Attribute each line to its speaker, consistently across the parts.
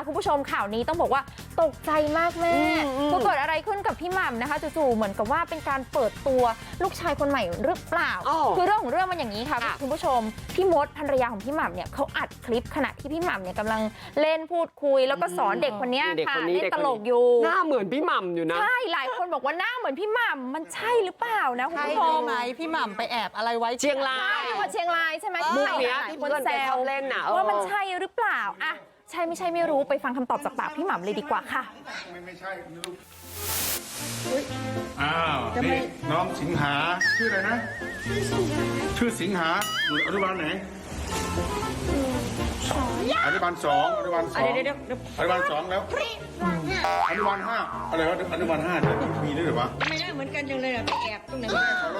Speaker 1: คุณผู้ชมข่าวนี้ต้องบอกว่าตกใจมากแม่คือเกิดอะไรขึ้นกับพี่หม่ำนะคะจู่ๆเหมือนกับว่าเป็นการเปิดตัวลูกชายคนใหม่หรือเปล่าคือเรื่องของเรื่องมันอย่างนี้ค่ะคุณผู้ชมพี่มดภรรยาของพี่หม่ำเนี่ยเขาอัดคลิปขณะที่พี่หม่ำเนี่ยกำลังเล่นพูดคุยแล้วก็สอนเด็กคนนี้ค่ะเล่นตลกอยู่
Speaker 2: หน้าเหมือนพี่หม่ำอยู่นะ
Speaker 1: ใช่หลายคนบอกว่าหน้าเหมือนพี่หม่ำมันใช่หรือเปล่านะคุณผู้ชม
Speaker 3: ไหมพี่หม่ำไปแอบอะไรไว้
Speaker 2: เชียงราย
Speaker 1: จังหวัดเชียงรายใช่ไหม
Speaker 2: มุกเนี้ย
Speaker 1: หลาย
Speaker 2: ที่
Speaker 1: คน
Speaker 2: เพื่อน
Speaker 1: แซ
Speaker 2: ไปช
Speaker 1: ว
Speaker 2: อบเล่นน่ะ
Speaker 1: ว่ามันใช่หรือเปล่าอะใช่ไม่ใช่ไม่รู้ไปฟังคำตอบจากปากพี่หม่ำเลยดีกว่าค่ะ
Speaker 4: ไม่ใช่ลูกอ้าวนี่น้องสิงหาชื่ออะไรนะชื่อสิงหาอยู่อนุบาลไหนอนุบาลสองอนุบาลสองอนุบาลสองแล้วอนุบาลห้าอะไรวะอนุบาลห้าเนี่ยมีด้วยหรือวะ
Speaker 5: ไม่ได้เหมือนกันจังเลยอะไปแอบตรงไหน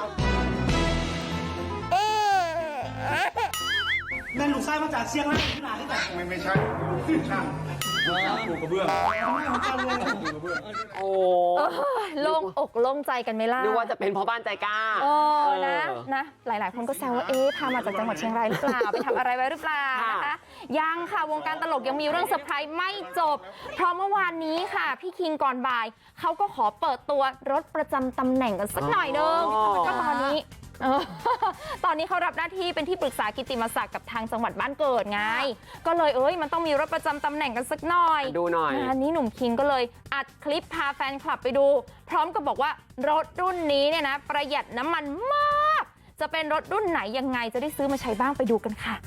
Speaker 6: แม่ลูกไส้มาจากเชียงรายที่ไหนที่ไหน
Speaker 4: ไม่ใช่ลูกช่างปูกระเบื้องปูกระเบื้อง
Speaker 2: โอ้
Speaker 1: โล่งอกโล่งใจกันไหมล่ะ
Speaker 2: นึกว่าจะเป็นพ่อบ้านใจกล้า
Speaker 1: นะหลายๆคนก็แซวว่าพามาจากจังหวัดเชียงรายหรือเปล่าไปทำอะไรไว้หรือเปล่านะคะยังค่ะวงการตลกยังมีเรื่องเซอร์ไพรส์ไม่จบเพราะเมื่อวานนี้ค่ะพี่คิงก่อนบ่ายเขาก็ขอเปิดตัวรถประจำตำแหน่งกันสักหน่อยนึงก็ตอนนี้เขารับหน้าที่เป็นที่ปรึกษากิตติมศักดิ์กับทางจังหวัดบ้านเกิดไงก็เลยมันต้องมีรถประจำตำแหน่งกันสักหน่อย
Speaker 2: ดูหน่อย
Speaker 1: งานนี้หนุ่มคิงก็เลยอัดคลิปพาแฟนคลับไปดูพร้อมกับบอกว่ารถรุ่นนี้เนี่ยนะประหยัดน้ำมันมากจะเป็นรถรุ่นไหนยังไงจะได้ซื้อมาใช้บ้างไปดูกันค่ะ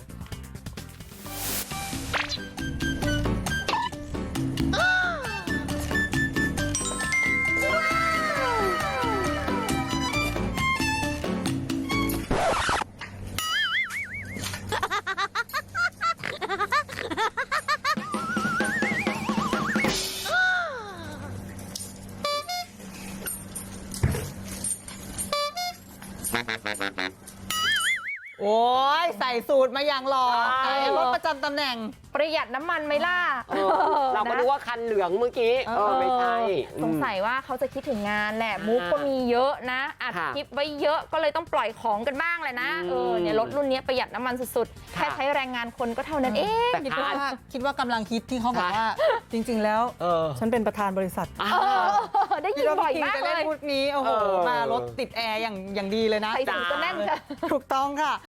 Speaker 3: โอ้ยใส่สูตรมาอย่างหล่อรถประจำตำแหน่ง
Speaker 1: ประหยัดน้ำมันไหมล่ะ
Speaker 2: เราก็รู้ว่าคันเหลืองเมื่อกี้ไม่ใช่
Speaker 1: สงสัยว่าเขาจะคิดถึงงานแหละมุกก็มีเยอะนะอัดคลิปไว้เยอะก็เลยต้องปล่อยของกันบ้างแหละนะเนี่ยรถรุ่นนี้ประหยัดน้ำมันสุดๆแค่ใช้แรงงานคนก็เท่านั้นเอง
Speaker 3: คิดว่ากำลังคิดที่เขาบอกว่าจริงๆแล้วฉันเป็นประธานบริษัท
Speaker 1: ได้ยินบ่อยมากเลย
Speaker 3: พูดนี้โอ้โหมารถติดแอร์อย่างดีเลยนะ
Speaker 1: ใส่ถุงก็แน่นค่ะ
Speaker 3: ถูกต้องค่ะ